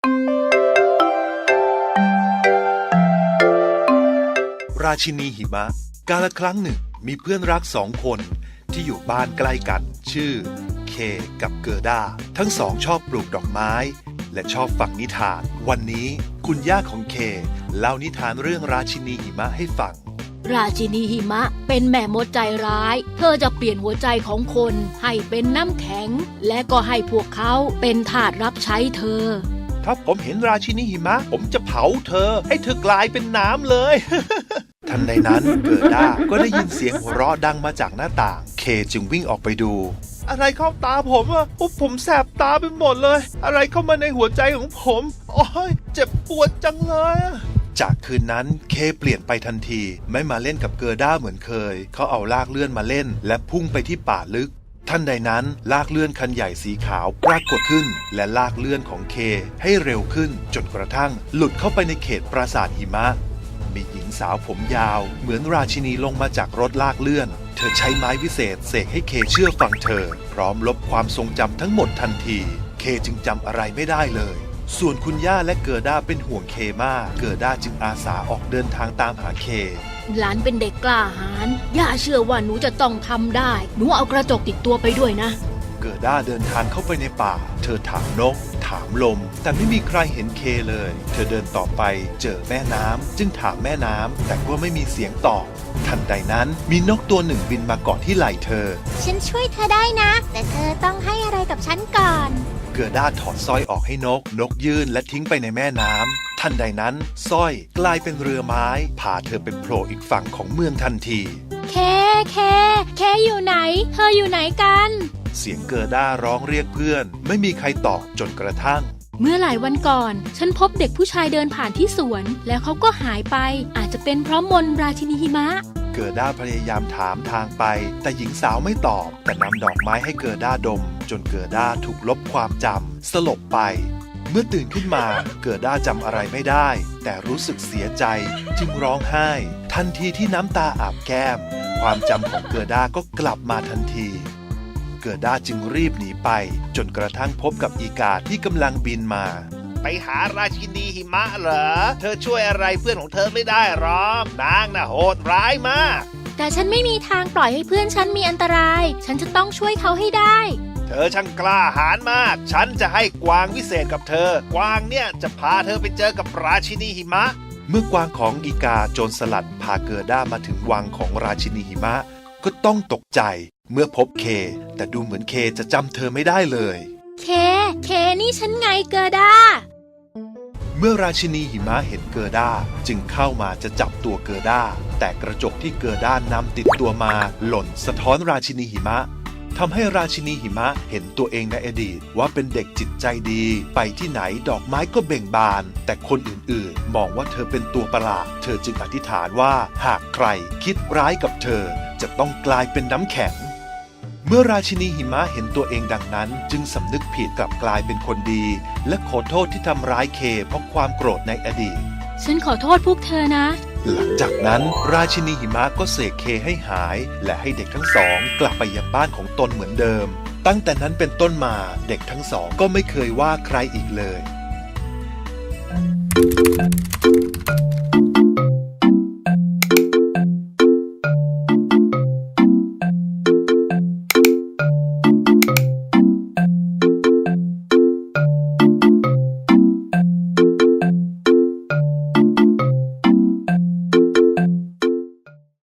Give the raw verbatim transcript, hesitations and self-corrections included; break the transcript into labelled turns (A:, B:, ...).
A: ราชินีหิมะกาลครั้งหนึ่งมีเพื่อนรักสองคนที่อยู่บ้านใกล้กันชื่อเคกับเกอร์ด้าทั้งสองชอบปลูกดอกไม้และชอบฟังนิทานวันนี้คุณย่าของเคเล่านิทานเรื่องราชินีหิมะให้ฟัง
B: ราชินีหิมะเป็นแม่มดใจร้ายเธอจะเปลี่ยนหัวใจของคนให้เป็นน้ำแข็งและก็ให้พวกเขาเป็นทาสรับใช้เธอ
A: ถ้าผมเห็นราชินีหิมะผมจะเผาเธอให้เธอกลายเป็นน้ำเลย ทันใดนั้นเกิดด้าก็ได้ยินเสียงหัวเราะดังมาจากหน้าต่างเคจึงวิ่งออกไปดูอะไรเข้าตาผมอะผมแสบตาไปหมดเลยอะไรเข้ามาในหัวใจของผมโอ้ยเจ็บปวดจังเลยจากคืนนั้นเคเปลี่ยนไปทันทีไม่มาเล่นกับเกอร์ด้าเหมือนเคยเขาเอาลากเลื่อนมาเล่นและพุ่งไปที่ป่าลึกทันใดนั้นลากเลื่อนคันใหญ่สีขาวปรากฏขึ้นและลากเลื่อนของเคให้เร็วขึ้นจนกระทั่งหลุดเข้าไปในเขตปราสาทหิมะมีหญิงสาวผมยาวเหมือนราชินีลงมาจากรถลากเลื่อนเธอใช้ไม้วิเศษเสกให้เคเชื่อฟังเธอพร้อมลบความทรงจำทั้งหมดทันทีเคจึงจำอะไรไม่ได้เลยส่วนคุณย่าและเกอร์ด้าเป็นห่วงเคมากเกอร์ด้าจึงอาสาออกเดินทางตามหาเค
B: หลานเป็นเด็กกล้าหาญย่าเชื่อว่าหนูจะต้องทำได้หนูเอากระจกติดตัวไปด้วยนะ
A: เกอร์ด้าเดินทางเข้าไปในป่าเธอถามนกถามลมแต่ไม่มีใครเห็นเคเลยเธอเดินต่อไปเจอแม่น้ำจึงถามแม่น้ำแต่ก็ไม่มีเสียงตอบทันใดนั้นมีนกตัวหนึ่งบินมาเกาะที่ไหล่เธอ
C: ฉันช่วยเธอได้นะแต่เธอต้องให้อะไรกับฉันก่อน
A: เกอร์ด้าถอดสร้อยออกให้นกนกยื่นและทิ้งไปในแม่น้ำทันใดนั้นสร้อยกลายเป็นเรือไม้พาเธอไปโผล่อีกฝั่งของเมืองทันที
B: เคเคเคอยู่ไหนเธออยู่ไหนกัน
A: เสียงเกอร์ด้าร้องเรียกเพื่อนไม่มีใครตอบจนกระทั่ง
B: เมื่อหลายวันก่อนฉันพบเด็กผู้ชายเดินผ่านที่สวนแล้วเขาก็หายไปอาจจะเป็นเพราะมนต์ราชินีหิมะ
A: เกอร์ด้าพยายามถามทางไปแต่หญิงสาวไม่ตอบแต่นำดอกไม้ให้เกอร์ด้าดมจนเกอร์ด้าถูกลบความจำสลบไปเมื่อตื่นขึ้นมาเกอร์ด้าจำอะไรไม่ได้แต่รู้สึกเสียใจจึงร้องไห้ทันทีที่น้ำตาอาบแก้มความจำของเกอร์ด้าก็กลับมาทันทีเกอร์ด้าจึงรีบหนีไปจนกระทั่งพบกับอีกาที่กำลังบินมาไปหาราชินีหิมะเหรอเธอช่วยอะไรเพื่อนของเธอไม่ได้หรอกนางน่ะโหดร้ายมาก
B: แต่ฉันไม่มีทางปล่อยให้เพื่อนฉันมีอันตรายฉันจะต้องช่วยเขาให้ได้
A: เธอช่างกล้าหาญมากฉันจะให้กวางวิเศษกับเธอกวางเนี่ยจะพาเธอไปเจอกับราชินีหิมะเมื่อกวางของอีกาโจรสลัดพาเกอร์ด้ามาถึงวังของราชินีหิมะก็ต้องตกใจเมื่อพบเคแต่ดูเหมือนเคจะจำเธอไม่ได้เลย
B: เคเคนี่ฉันไงเกอร์ด้า
A: เมื่อราชินีหิมะเห็นเกอร์ด้าจึงเข้ามาจะจับตัวเกอร์ด้าแต่กระจกที่เกอร์ด้านำติดตัวมาหล่นสะท้อนราชินีหิมะทำให้ราชินีหิมะเห็นตัวเองในอดีตว่าเป็นเด็กจิตใจดีไปที่ไหนดอกไม้ก็เบ่งบานแต่คนอื่นๆมองว่าเธอเป็นตัวประหลาดเธอจึงอธิษฐานว่าหากใครคิดร้ายกับเธอจะต้องกลายเป็นน้ำแข็งเมื่อราชินีหิมะเห็นตัวเองดังนั้นจึงสำนึกผิดกลับกลายเป็นคนดีและขอโทษที่ทำร้ายเคเพราะความโกรธในอดีต
B: ฉันขอโทษพวกเธอนะ
A: หลังจากนั้นราชินีหิมะก็เสกเคให้หายและให้เด็กทั้งสองกลับไปยังบ้านของตนเหมือนเดิมตั้งแต่นั้นเป็นต้นมาเด็กทั้งสองก็ไม่เคยว่าใครอีกเลย